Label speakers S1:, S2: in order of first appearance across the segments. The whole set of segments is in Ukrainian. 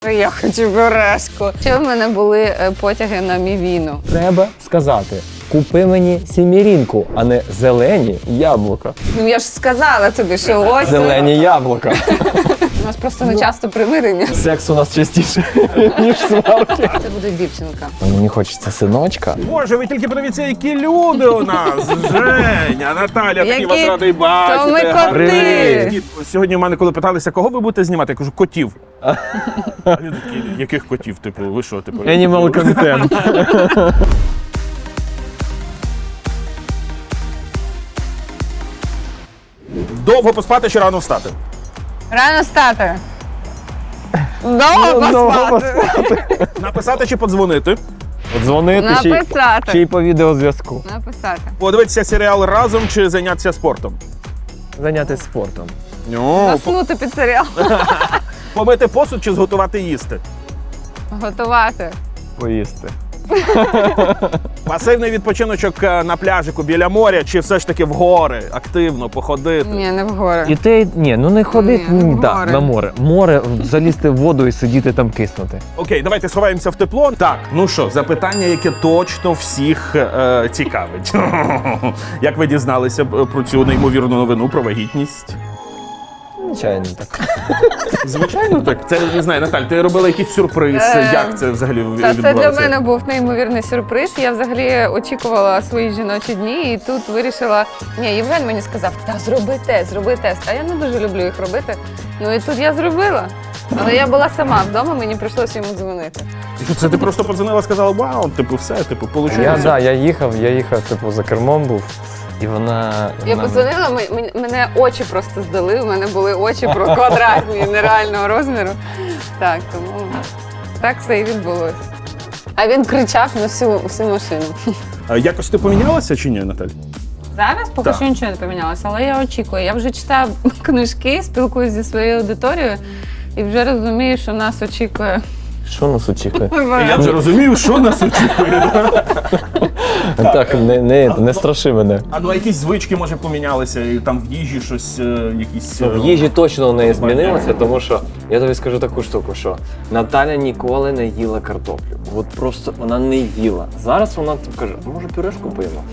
S1: Я хочу пюрешку. Ще в мене були потяги на мівіну.
S2: Треба сказати, купи мені сімірінку, а не зелені яблука.
S1: Ну я ж сказала тобі, що ось.
S2: Зелені яблука.
S1: У нас просто не часто примирення.
S2: Секс у нас частіше, ніж сварки.
S1: Це буде дівчинка.
S2: Мені хочеться синочка.
S3: Боже, ви тільки подивіться, які люди у нас. Женя, Наталя, такий вас радий бачити.
S1: То ми коти.
S3: Привіт. Сьогодні в мене, коли питалися, кого ви будете знімати, я кажу, котів. А люди такі, яких котів? Типу, ви що, типу?
S2: Animal content.
S3: Довго поспати чи рано встати?
S1: Рано стати. Довго поспати.
S3: Написати чи подзвонити?
S2: Дзвонити ще
S1: Написати.
S2: й по відеозв'язку.
S1: Написати.
S3: Подивитися серіал разом чи зайнятися спортом?
S2: Зайнятися спортом.
S1: Заснути під серіал.
S3: Помити посуд чи зготувати їсти?
S1: Готувати.
S2: Поїсти.
S3: Пасивний відпочиночок на пляжику біля моря чи все ж таки в гори, активно походити?
S1: Ні, не вгору.
S2: І ти, ну не ходити
S1: Ні, в
S2: да,
S1: море.
S2: на море. Море, залізти в воду і сидіти там киснути.
S3: Окей, давайте сховаємося в тепло. Так, ну що, запитання, яке точно всіх цікавить. Як ви дізналися про цю неймовірну новину про вагітність?
S2: Звичайно так.
S3: Звичайно, так. Це, не знаю, Наталь, ти робила якийсь сюрприз. Як це взагалі
S1: Та
S3: відбувалося?
S1: це для мене був неймовірний сюрприз. Я взагалі очікувала свої жіночі дні і тут вирішила. Ні, Євген мені сказав, та зроби тест. А я не дуже люблю їх робити. Ну і тут я зробила. Але я була сама вдома, мені прийшлося йому дзвонити.
S3: І що, це ти просто подзвонила, сказала, вау, типу, все, типу, получилося.
S2: Я їхав, типу, за кермом був. І вона...
S1: Я подзвонила, мене очі просто здали, у мене були очі квадратні, нереального розміру. Так, тому так все і відбулося. А він кричав на всю машину.
S3: А якось ти помінялася чи ні, Наталь?
S1: Зараз поки
S3: Так.
S1: що нічого не помінялося, але я очікую. Я вже читаю книжки, спілкуюся зі своєю аудиторією і вже розумію, що нас очікує.
S2: Що нас очікує?
S3: Я вже розумію, що нас очікує.
S2: Так, не страши мене.
S3: А ну а якісь звички, може, помінялися, і там в їжі щось, якісь...
S2: В їжі точно не змінилося, тому що я тобі скажу таку штуку, що Наталя ніколи не їла картоплю. От просто вона не їла. Зараз вона каже, може пюрешку поїмо?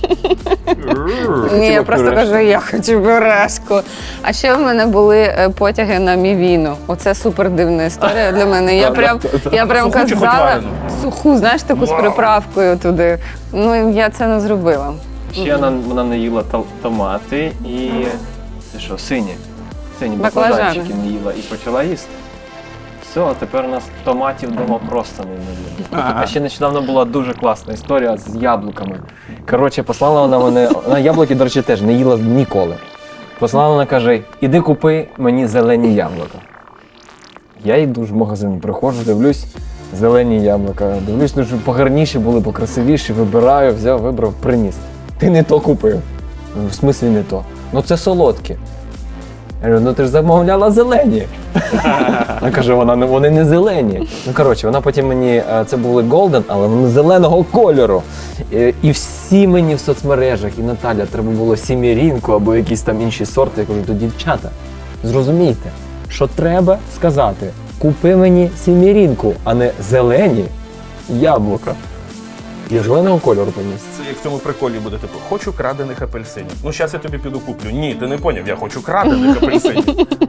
S1: Ні, я просто
S2: пюрешку.
S1: кажу, я хочу пюрешку. А ще в мене були потяги на мівіну. Оце супер дивна історія для мене. Я прям
S3: Суху чи хоч
S1: казала
S3: варену?
S1: суху, знаєш, таку з приправкою туди. Ну, я це не зробила.
S4: Ще вона не їла томати і це що, сині
S1: Баклажани.
S4: баклажанчики не їла і почала їсти. Все, а тепер у нас томатів вдома просто не їла. А ще нещодавно була дуже класна історія з яблуками. Коротше, послала вона мене, вона яблуки, до речі, теж не їла ніколи. Послала вона, каже, іди купи мені зелені яблука. Я йду в магазин, приходжу, дивлюсь, зелені яблука. Дивлюсь, ну, щоб погарніші були, покрасивіші, вибираю, взяв, вибрав, приніс. Ти не то купив. В смислі не то. Ну це солодкі. Я говорю, ну ти ж замовляла зелені. Вона каже, вони не зелені. Ну коротше, вона потім мені, це були голден, але вони зеленого кольору. І всі мені в соцмережах, і Наталя, треба було сімірінку або якісь там інші сорти. Я кажу, то дівчата, зрозумійте, що треба сказати, купи мені сімірінку, а не зелені яблука. Я зеленого кольору поніс.
S3: Це як в цьому приколі буде, типу, хочу крадених апельсинів. Ну, зараз я тобі піду куплю. Ні, ти не поняв, я хочу крадених апельсинів.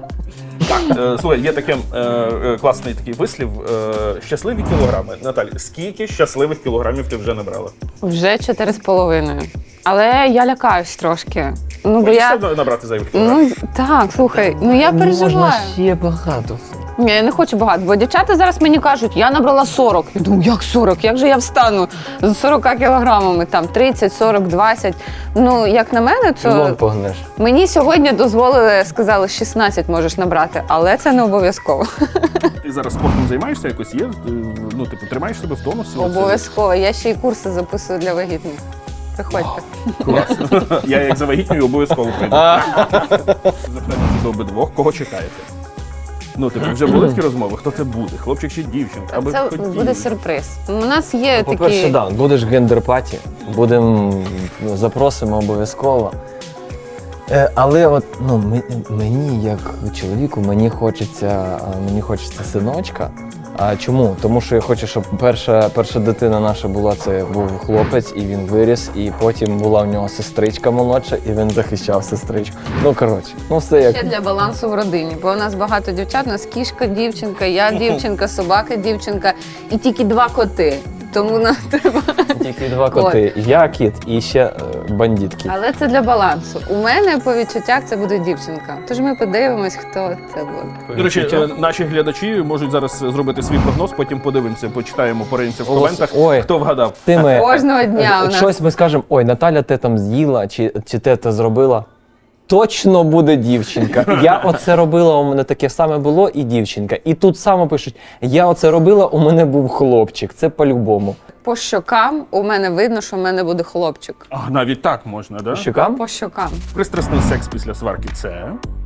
S3: Так, слухай, є таке класний такий вислів. Щасливі кілограми. Наталь, скільки щасливих кілограмів ти вже набрала?
S1: Вже 4,5. Але я лякаюсь трошки. Ну, бо я...
S3: Боїшся набрати зайвих кілограмів?
S1: Ну, так, слухай, ну я переживаю.
S2: ще багато.
S1: Ні, я не хочу багато, бо дівчата зараз мені кажуть, я набрала 40. Я думаю, як 40? Як же я встану з 40 кілограмами, там 30, 40, 20. Ну, як на мене,
S2: Чолом
S1: то
S2: погнеш.
S1: мені сьогодні дозволили, сказали, 16 можеш набрати, але це не обов'язково.
S3: Ти зараз спортом займаєшся якось? Є? Ну, типу, тримаєш себе в тонусі?
S1: Обов'язково. Я ще й курси записую для вагітних. Приходьте.
S3: Класно. Я як завагітнюю обов'язково прийду. Запитання до обидвох, кого чекаєте? Ну, типу, вже були такі розмови? Хто це буде? Хлопчик чи дівчинка? Аби
S1: Це
S3: хотіли.
S1: буде сюрприз. У нас є
S2: По-перше,
S1: такі...
S2: да, будеш гендер-паті, запросимо обов'язково.
S4: Але от мені, як чоловіку, мені хочеться синочка. А чому? Тому що я хочу, щоб перша дитина наша була, це був хлопець, і він виріс, і потім була в нього сестричка молодша, і він захищав сестричку. Ну, коротше, все як.
S1: Ще для балансу в родині, бо у нас багато дівчат, у нас кішка, дівчинка, я дівчинка, собака, дівчинка і тільки 2 коти. Тому нам треба.
S4: Тільки 2 коти. Я кіт і ще бандит кіт.
S1: Але це для балансу. У мене по відчуттях це буде дівчинка. Тож ми подивимось, хто це буде.
S3: До речі, наші глядачі можуть зараз зробити свій прогноз, потім подивимося, почитаємо, пориємося в коментах,
S4: Ой.
S3: хто вгадав.
S1: Кожного дня у нас.
S4: Щось ми скажемо, ой, Наталя те там з'їла, чи те зробила. Точно буде дівчинка. Я оце робила, у мене таке саме було, і дівчинка. І тут само пишуть, я оце робила, у мене був хлопчик. Це по-любому.
S1: По щокам у мене видно, що в мене буде хлопчик.
S3: А, навіть так можна, да?
S4: Щукам?
S1: По щокам.
S3: Пристрасний секс після сварки це.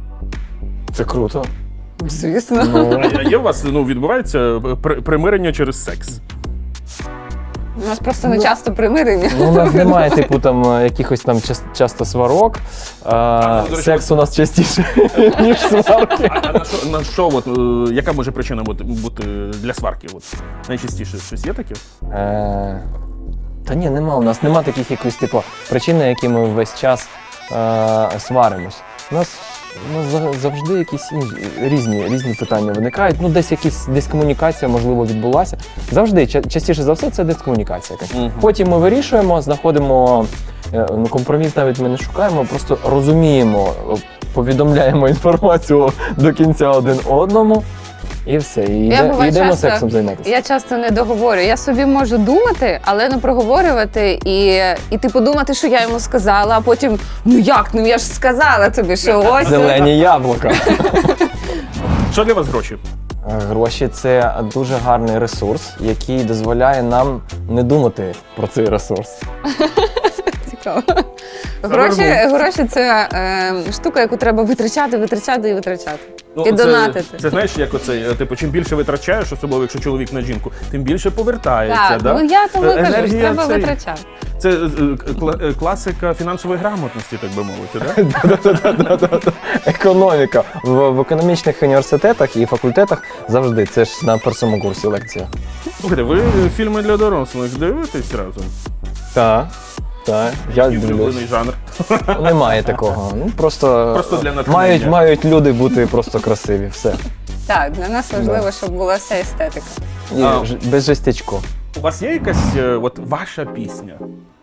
S4: Це круто.
S1: Звісно.
S3: А є у вас відбувається примирення через секс?
S1: У нас просто не часто примирення.
S4: Ну, у нас немає, типу, там якихось там часто сварок.
S3: до речі,
S4: Секс у нас частіше, ніж сварки.
S3: А на що яка може причина бути для сварки? Найчастіше щось є таке?
S4: Та ні, нема. У нас нема таких якихось типу причин, на які ми весь час сваримось. У нас завжди якісь різні питання виникають. Ну, десь комунікація, можливо, відбулася. Завжди, частіше за все, це дискомунікація якась. Потім ми вирішуємо, знаходимо компроміс, навіть ми не шукаємо, просто розуміємо, повідомляємо інформацію до кінця один одному. І все, і йдемо сексом займатися.
S1: Я часто не договорю. Я собі можу думати, але не проговорювати і типу думати, що я йому сказала, а потім, я ж сказала тобі, що ось.
S4: Зелені яблука.
S3: Що для вас гроші?
S4: Гроші – це дуже гарний ресурс, який дозволяє нам не думати про цей ресурс.
S1: Цікаво. Гроші – це штука, яку треба витрачати. І донатити.
S3: Це знаєш, як оцей, типу, чим більше витрачаєш, особливо якщо чоловік на жінку, тим більше повертається.
S1: Так,
S3: да?
S1: я тому кажу, що
S3: Енергія
S1: треба
S3: цей-
S1: витрачати.
S3: Це класика фінансової грамотності, так би мовити, так?
S4: Економіка. В економічних університетах і факультетах завжди. Це ж на першому курсі лекція.
S3: Слухайте, ви фільми для дорослих дивитесь разом?
S4: Так. Я
S3: Який
S4: дивлюсь.
S3: улюблений жанр?
S4: Немає такого. Ну, просто
S3: для натхнення.
S4: мають люди бути просто красиві. Все.
S1: Так, для нас важливо, щоб була вся естетика.
S4: І
S3: А.
S4: без жестячку.
S3: У вас є якась ваша пісня?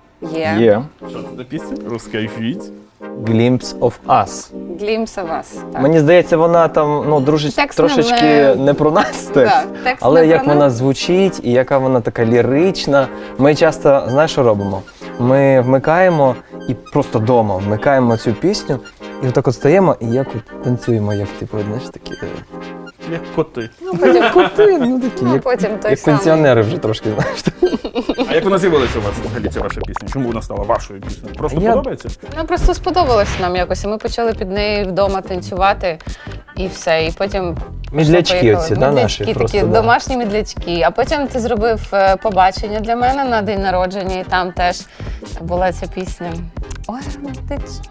S1: Є.
S3: Що це за пісня? Розкажіть.
S4: Glimpse of us.
S1: Glimpse of us. Так.
S4: Мені здається, вона там
S1: Текст
S4: трошечки не про нас текст.
S1: Так, текст
S4: Але
S1: не
S4: як
S1: про
S4: вона
S1: нас.
S4: звучить і яка вона така лірична. Ми часто, знаєш, що робимо? Ми вмикаємо і просто вдома вмикаємо цю пісню, і отак от стаємо і як от танцюємо, як типу, знаєш, такі.
S3: Як коти.
S1: Потім
S4: Коти, ну такі,
S1: Ну,
S4: як,
S1: потім той
S4: як
S1: самий.
S4: пенсіонери вже трошки, знаєш.
S3: А як вона з'явилася у вас взагалі ця ваша пісня? Чому вона стала вашою піснею? Просто
S4: Я-
S3: подобається?
S1: Ну, просто сподобалось нам якось, і ми почали під неї вдома танцювати, і все. І потім
S4: Мідлячки
S1: поїхали.
S4: оці, да, наші
S1: Мідлячки
S4: просто,
S1: такі,
S4: да.
S1: домашні мідлячки. А потім ти зробив побачення для мене на день народження, і там теж була ця пісня. Ой, романтично.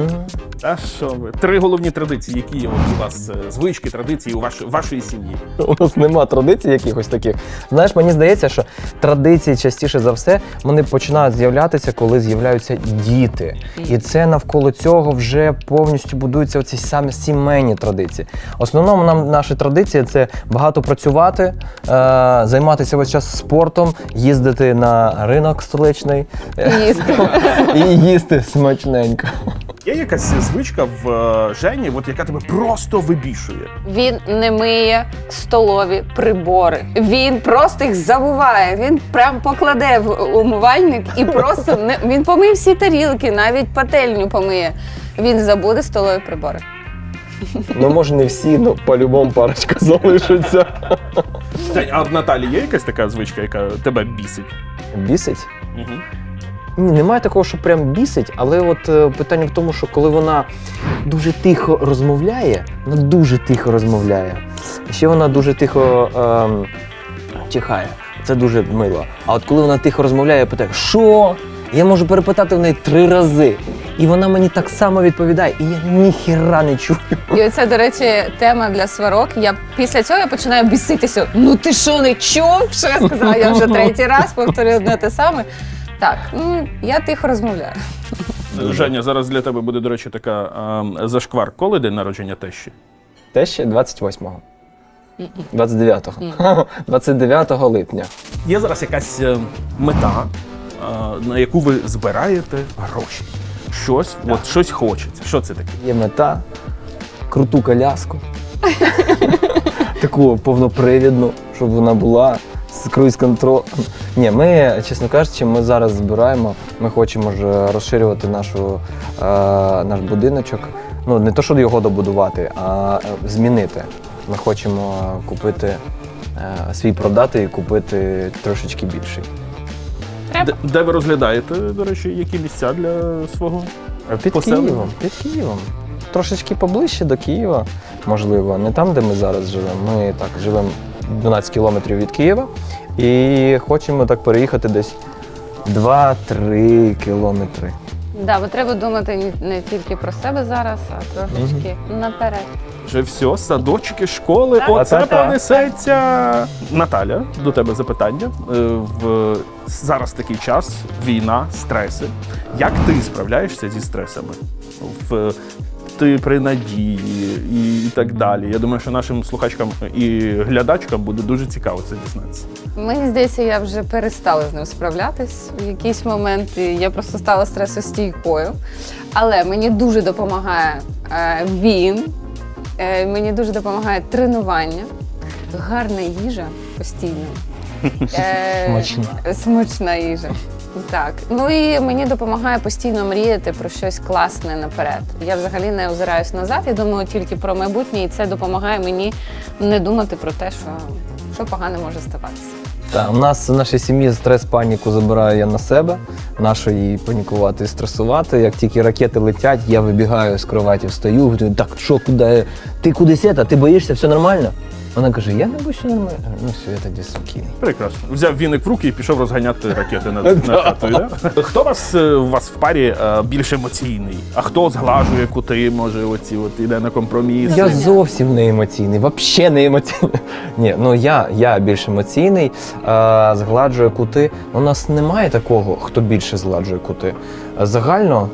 S3: А що ви? 3 головні традиції, які є у вас звички, традиції у вашої сім'ї.
S4: У нас нема традицій якихось таких. Знаєш, мені здається, що традиції частіше за все вони починають з'являтися, коли з'являються діти. І це навколо цього вже повністю будуються оці самі сімейні традиції. В основному нам наші традиції це багато працювати, займатися весь час спортом, їздити на ринок столичний
S1: Їсти.
S4: і їсти смачненько.
S3: Є якась звичка в Жені, яка тебе просто вибішує?
S1: Він не миє столові прибори. Він просто їх забуває. Він прям покладе в умивальник і просто він помиє всі тарілки, навіть пательню помиє. Він забуде столові прибори.
S4: Ну, може, не всі, ну по-любому парочка залишиться.
S3: А в Наталі є якась така звичка, яка тебе бісить?
S4: Бісить?
S3: Угу.
S4: Ні, немає такого, що прям бісить, але от питання в тому, що коли вона дуже тихо розмовляє, ще вона дуже тихо чихає. Це дуже мило. А от коли вона тихо розмовляє, я питаю, що? Я можу перепитати в неї 3 рази. І вона мені так само відповідає, і я ніхіра не чую.
S1: І оце, до речі, тема для сварок. Після цього я починаю біситися. Ну ти що, не чув? Що я сказала? Я вже третій раз повторюю одне те саме. Так, я тихо розмовляю.
S3: Женя, зараз для тебе буде, до речі, така зашквар. Коли день народження тещі?
S4: Те ще 28-го. 29-го. 29 липня.
S3: Є зараз якась мета, на яку ви збираєте гроші. Щось хочеться. Що це таке?
S4: Є мета, круту коляску. Таку повнопривідну, щоб вона була з круїз-контролем. Ні, ми, чесно кажучи, ми зараз збираємо, ми хочемо ж розширювати наш будиночок. Ну, не то, щоб його добудувати, а змінити. Ми хочемо купити, свій продати і купити трошечки більший.
S3: Де ви розглядаєте, до речі, які місця для свого
S4: Під
S3: поселення?
S4: Києвом, під Києвом. Трошечки поближче до Києва, можливо, не там, де ми зараз живемо. Ми так живемо 12 кілометрів від Києва і хочемо так переїхати десь 2-3 кілометри.
S1: Да, бо треба думати не тільки про себе зараз, а трошечки наперед.
S3: Вже все, садочки, школи,
S1: Так.
S3: оце
S4: Та-та-та.
S3: понесеться. Наталя, до тебе запитання. Зараз такий час, війна, стреси. Як ти справляєшся зі стресами? Ти при надії і так далі. Я думаю, що нашим слухачкам і глядачкам буде дуже цікаво це дізнатися.
S1: Мені здається, я вже перестала з ним справлятись. В якийсь момент я просто стала стресостійкою. Але мені дуже допомагає він, мені дуже допомагає тренування, гарна їжа постійно.
S4: Смачна.
S1: Смачна їжа. Так. Ну і мені допомагає постійно мріяти про щось класне наперед. Я взагалі не озираюсь назад, я думаю тільки про майбутнє, і це допомагає мені не думати про те, що погане може ставатися.
S4: Так, у нас в нашій сім'ї стрес-паніку забираю я на себе. Нащо їй панікувати і стресувати. Як тільки ракети летять, я вибігаю з кроваті, встаю, говорю, так, що, куди? Ти кудись ти боїшся, все нормально? Вона каже, я не боюся нормально. Ну все, я тоді спокійний.
S3: Прекрасно. Взяв віник в руки і пішов розганяти ракети над хатою. Да? Хто у вас в парі більш емоційний? А хто зглажує кути, може, іде на компроміс?
S4: Я зовсім не емоційний, взагалі не емоційний. Ні, ну я більш емоційний, згладжую кути. У нас немає такого, хто більше згладжує кути. Загально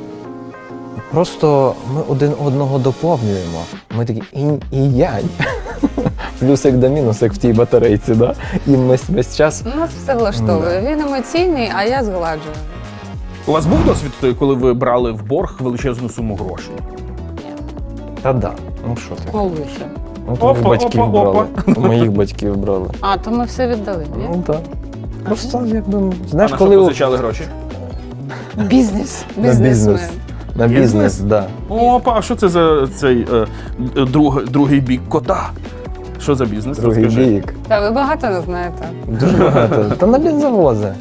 S4: просто ми один одного доповнюємо. Ми такі інь і янь. Плюсик до мінус, як в тій батарейці, да? І ми весь час.
S1: Нас все влаштовує. Він емоційний, а я згладжую.
S3: У вас був досвід, коли ви брали в борг величезну суму грошей?
S4: Та да, ну що ти?
S1: Коли ще?
S4: Ну, то
S3: Опа,
S4: батьків
S3: опа,
S4: брали.
S3: опа.
S4: У моїх батьків брали.
S1: А, то ми все віддали, ні?
S4: Ну так. Просто якби,
S3: А
S4: знаєш,
S3: на що
S4: коли
S3: позичали гроші?
S1: Бізнес.
S4: на бізнес.
S1: Бізнесмен.
S4: На
S3: Бізнес?
S4: бізнес, так. Да.
S3: Опа, а що це за цей другий бік кота? Що за бізнес?
S4: Другий
S3: Розкажи.
S4: бік.
S1: Та ви багато не знаєте.
S4: Дуже багато. Та на бензовози.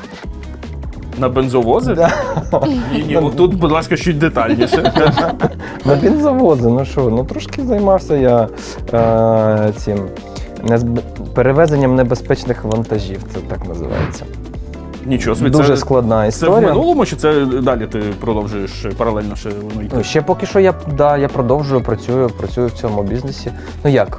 S3: На бензовози?
S4: Да.
S3: Ні, отут, будь ласка, чуть детальніше.
S4: На бензовози, ну що, ну трошки займався я цим перевезенням небезпечних вантажів, це так називається.
S3: Нічого собі,
S4: Дуже
S3: це,
S4: складна
S3: це в
S4: історія.
S3: минулому, чи це далі ти продовжуєш паралельно ще воно йти?
S4: Ну, ще поки що я продовжую, працюю в цьому бізнесі. Ну як,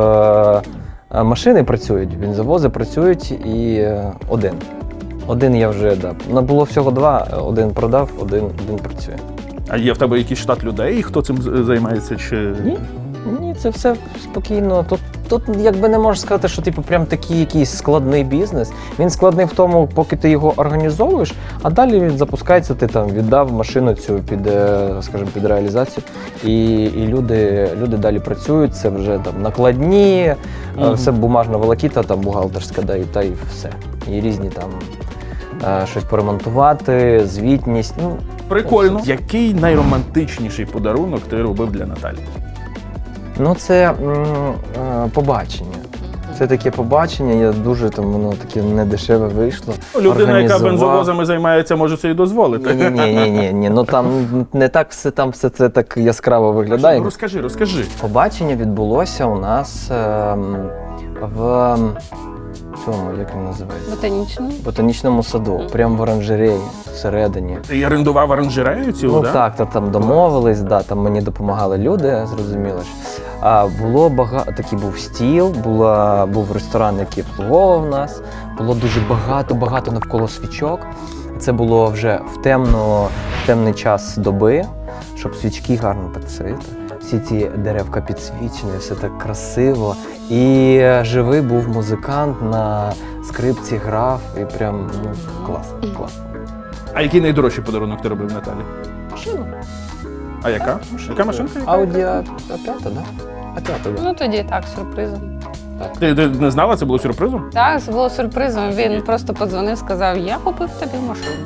S4: машини працюють, бензовози працюють і один. Один я вже, да. Було всього два, один продав, один працює.
S3: А є в тебе якийсь штат людей, хто цим займається? Чи...
S4: Ні, це все спокійно. Тут якби не можеш сказати, що типу прям такий якийсь складний бізнес. Він складний в тому, поки ти його організовуєш, а далі він запускається, ти там віддав машину цю під реалізацію, і люди далі працюють, це вже там накладні, все бумажна волокіта, там бухгалтерська, да, та і все. І різні там щось поремонтувати, звітність. Ну,
S3: Прикольно. Який найромантичніший подарунок ти робив для Наталі?
S4: Ну, це побачення. Це таке побачення, я дуже там, воно таке недешеве вийшло.
S3: Людина, яка бензовозами займається, може собі дозволити.
S4: Ні, ну там не так все це так яскраво виглядає.
S3: Розкажи.
S4: Побачення відбулося у нас в цьому, як він називається?
S1: Ботанічно.
S4: В ботанічному саду, прямо в оранжереї, всередині.
S3: Ти орендував оранжерею цілу,
S4: Ну
S3: да?
S4: так, там домовились, да, там мені допомагали люди, зрозуміло ж. А було багато, такий був стіл, був ресторан, який обслуговував нас. Було дуже багато навколо свічок. Це було вже в темний час доби, щоб свічки гарно так світили. Всі ці деревка підсвічені, все так красиво. І живий був музикант на скрипці грав, і прям класно.
S3: А який найдорожчий подарунок ти робив Наталі?
S4: Машина.
S3: А яка? Яка машинка?
S4: Ауді А5, да? А5, да.
S1: Ну тоді так, сюрпризом.
S3: Ти не знала, це було сюрпризом?
S1: Так, це було сюрпризом. Він просто подзвонив, сказав, я купив тобі машину.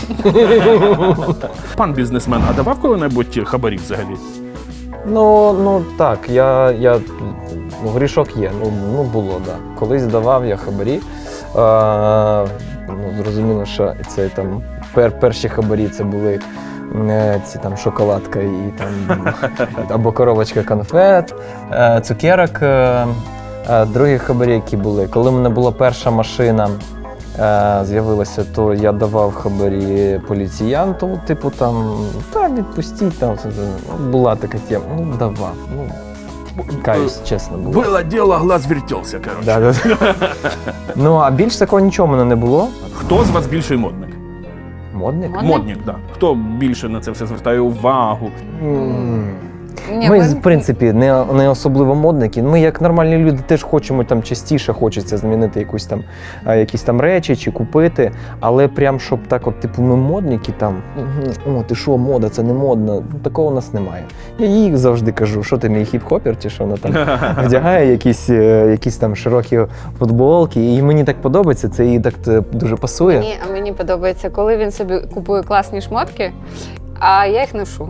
S3: Пан бізнесмен, а давав коли-небудь хабарі взагалі?
S4: Ну так, грішок є, було, да. Колись давав я хабарі. Зрозуміло, що це там перші хабарі це були ці там шоколадка і там або коробочка конфет, цукерок. Другі хабарі, які були. Коли в мене була перша машина, з'явилася, то я давав хабарі поліціянту, типу там, відпустіть, там, була така тема, давав, каюсь, чесно було.
S3: Було діло, глаз вертівся, коротше.
S4: Да. А більш такого нічого в мене не було.
S3: Хто з вас більший модник?
S4: Модник?
S3: Модник, так. Да. Хто більше на це все звертає увагу?
S1: Ні,
S4: Ми, в принципі, не особливо модники. Ми, як нормальні люди, теж хочемо там частіше хочеться змінити якісь там речі чи купити. Але прям, щоб так, от, типу, ми модники там, ти що, мода, це не модно. Такого у нас немає. Я їй завжди кажу, що ти мій хіп-хопер, чи що вона там вдягає якісь там широкі футболки. І мені так подобається, це їй так дуже пасує.
S1: Мені подобається, коли він собі купує класні шмотки, а я їх ношу.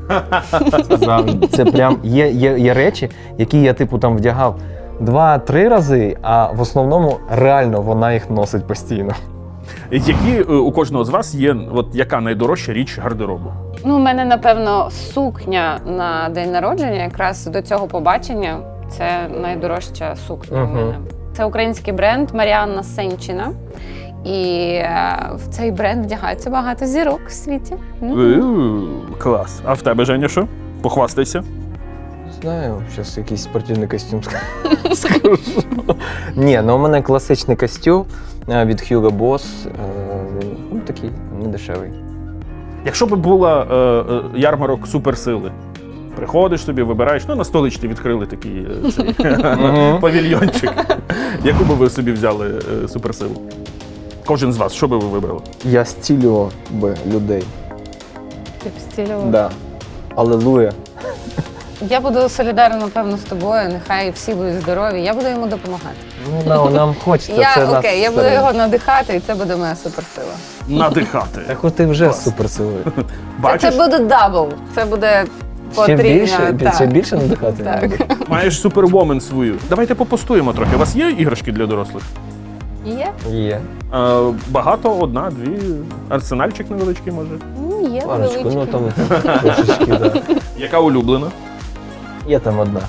S4: Це прям є речі, які я типу там вдягав 2-3 рази, а в основному реально вона їх носить постійно.
S3: Які у кожного з вас є, яка найдорожча річ гардеробу?
S1: У мене, напевно, сукня на день народження, якраз до цього побачення. Це найдорожча сукня у мене. Це український бренд Маріанна Сенчина. І в цей бренд вдягається багато зірок в світі.
S3: Клас. А в тебе, Женя, що? Похвастайся.
S4: Знаю, зараз якийсь спортивний костюм скажу. Ні, у мене класичний костюм від Hugo Boss. Він такий недешевий.
S3: Якщо б була ярмарок суперсили, приходиш собі, вибираєш, на столичці відкрили такий павільйончик. Яку би ви собі взяли суперсилу? Кожен з вас, що би ви вибрали?
S4: Я стілював би людей.
S1: Ти б стілював?
S4: Да. Алелуя.
S1: Я буду солідарна, напевно, з тобою. Нехай всі будуть здорові. Я буду йому допомагати.
S4: Нам хочеться.
S1: Я буду його надихати, і це буде моя суперсила.
S3: Надихати.
S4: Так от ти вже суперсилою.
S3: Бачиш?
S1: Це буде дабл. Це буде потрібно.
S4: Ще більше надихати?
S1: Так.
S3: Маєш супервомен свою. Давайте попостуємо трохи. У вас є іграшки для дорослих?
S1: Є?
S4: Є.
S3: Багато, одна, дві. Арсенальчик невеличкий, може.
S1: Є
S4: Парочку,
S1: невеличкі.
S4: там трошечки, да.
S3: Яка улюблена?
S4: Є там одна.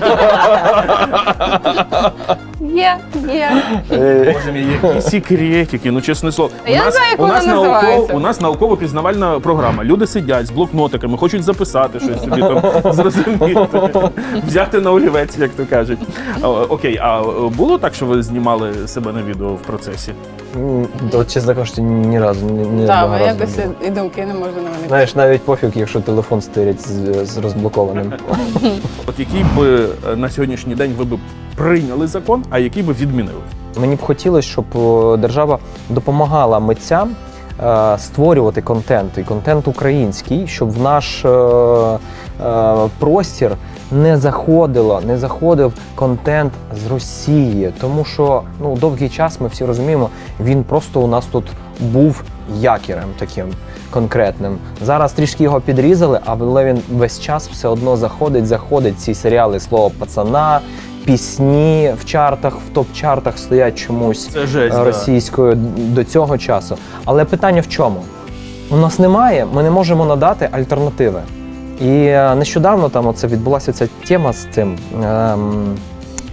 S1: Є.
S3: Боже мій, які секретики, ну чесне слово.
S1: Я не знаю, як вона називається.
S3: У нас науково-пізнавальна програма. Люди сидять з блокнотиками, хочуть записати щось собі там, зрозуміти, взяти на олівець, як то кажуть. Окей, а було так, що ви знімали себе на відео в процесі?
S4: Чесно кажучи, ні разу.
S1: Так, якось і думки не можу на мене.
S4: Знаєш, навіть пофіг, якщо телефон стирять з розблокованим.
S3: От який би на сьогоднішній день ви б прийняли закон, а який би відмінили?
S4: Мені б хотілося, щоб держава допомагала митцям створювати контент, і контент український, щоб в наш простір не заходив контент з Росії. Тому що довгий час, ми всі розуміємо, він просто у нас тут був якірем таким конкретним. Зараз трішки його підрізали, але він весь час все одно заходить. Ці серіали «Слово пацана», пісні в чартах, в топ-чартах стоять чомусь російською до цього часу. Але питання в чому? У нас немає, ми не можемо надати альтернативи. І нещодавно там відбулася ця тема з цим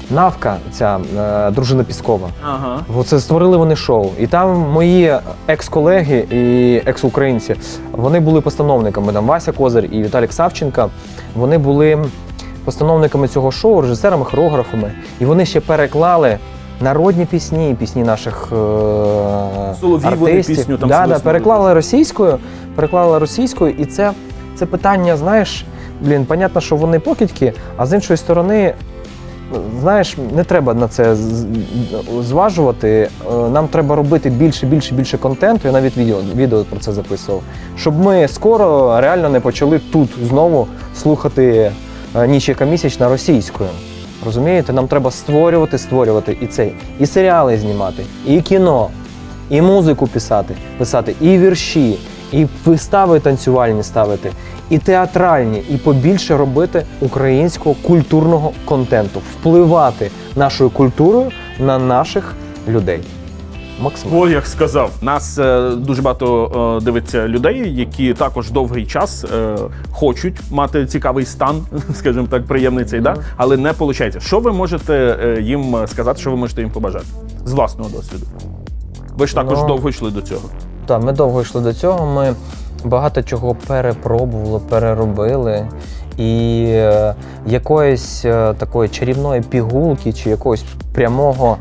S4: Навка, ця дружина Піскова.
S3: Ага.
S4: Оце створили вони шоу. І там мої екс-колеги і екс-українці, вони були постановниками. Там Вася Козир і Віталік Савченка. Вони були постановниками цього шоу, режисерами, хореографами. І вони ще переклали народні пісні, пісні наших
S3: Соловій вони
S4: артистів.
S3: пісню там
S4: Да,
S3: свиснули.
S4: переклали російською. І це питання, знаєш, понятно, що вони покидьки, а з іншої сторони, знаєш, не треба на це зважувати. Нам треба робити більше контенту. Я навіть відео про це записував. Щоб ми скоро реально не почали тут знову слухати «Ніч яка місячна» російською. Розумієте? Нам треба створювати і серіали знімати, і кіно, і музику писати, і вірші, і вистави танцювальні ставити, і театральні, і побільше робити українського культурного контенту, впливати нашою культурою на наших людей. Максимально.
S3: Ой, як сказав. Нас дуже багато дивиться людей, які також довгий час хочуть мати цікавий стан, скажімо так, приємний цей, да? Але не виходить. Що ви можете їм сказати, що ви можете їм побажати? З власного досвіду. Ви ж також довго йшли до цього.
S4: Так, ми довго йшли до цього, ми багато чого перепробували, переробили. І якоїсь такої чарівної пігулки чи якогось прямого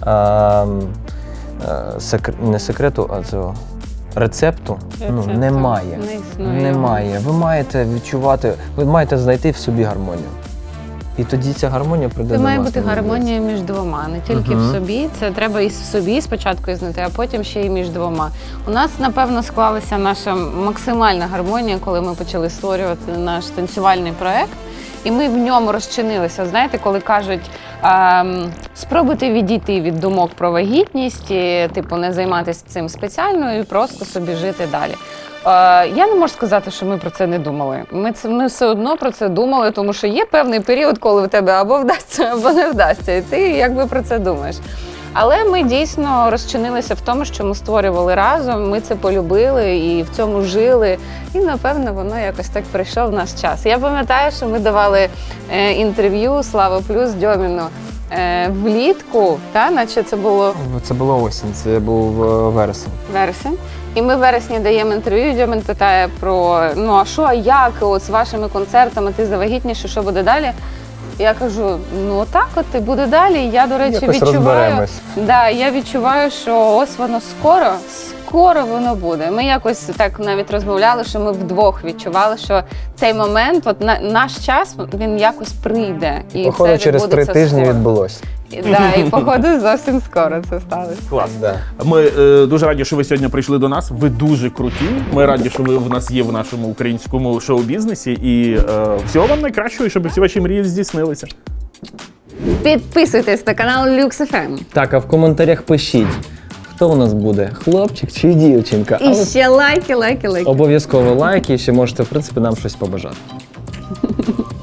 S4: не секрету, а цього рецепту немає. Немає. Ви маєте відчувати, ви маєте знайти в собі гармонію. І тоді ця гармонія прийде
S1: Це
S4: до
S1: має
S4: вас.
S1: бути гармонія між двома, не тільки в собі. Це треба і в собі спочатку знайти, а потім ще й між двома. У нас, напевно, склалася наша максимальна гармонія, коли ми почали створювати наш танцювальний проект. І ми в ньому розчинилися. Знаєте, коли кажуть, спробуйте відійти від думок про вагітність, і, типу, не займатися цим спеціально і просто собі жити далі. Я не можу сказати, що ми про це не думали. Ми все одно про це думали, тому що є певний період, коли в тебе або вдасться, або не вдасться. І ти якби про це думаєш. Але ми дійсно розчинилися в тому, що ми створювали разом, ми це полюбили і в цьому жили. І, напевно, воно якось так прийшов в наш час. Я пам'ятаю, що ми давали інтерв'ю «Слава Плюс» Дьоміну влітку, наче це було...
S4: Це було осінь, це був вересень.
S1: Вересень. І ми в вересні даємо інтерв'ю, Дьомін питає про, а що, а як, от з вашими концертами, ти завагітніше, що буде далі? Я кажу, отак от і буде далі. Я, до речі,
S4: Якось
S1: відчуваю,
S4: розберемось.
S1: я відчуваю, що ось воно скоро воно буде. Ми якось так навіть розмовляли, що ми вдвох відчували, що цей момент, от наш час, він якось прийде. І
S4: Походу,
S1: все
S4: через 3 тижні
S1: скоро.
S4: відбулося.
S1: І походу зовсім скоро це сталося.
S3: Клас.
S4: Да.
S3: Ми дуже раді, що ви сьогодні прийшли до нас. Ви дуже круті. Ми раді, що ви в нас є в нашому українському шоу-бізнесі. І всього вам найкращого, і щоб всі ваші мрії здійснилися.
S1: Підписуйтесь на канал Lux FM.
S4: Так, а в коментарях пишіть, хто у нас буде, хлопчик чи дівчинка.
S1: І ще лайки.
S4: Обов'язково лайки, і ще можете, в принципі, нам щось побажати.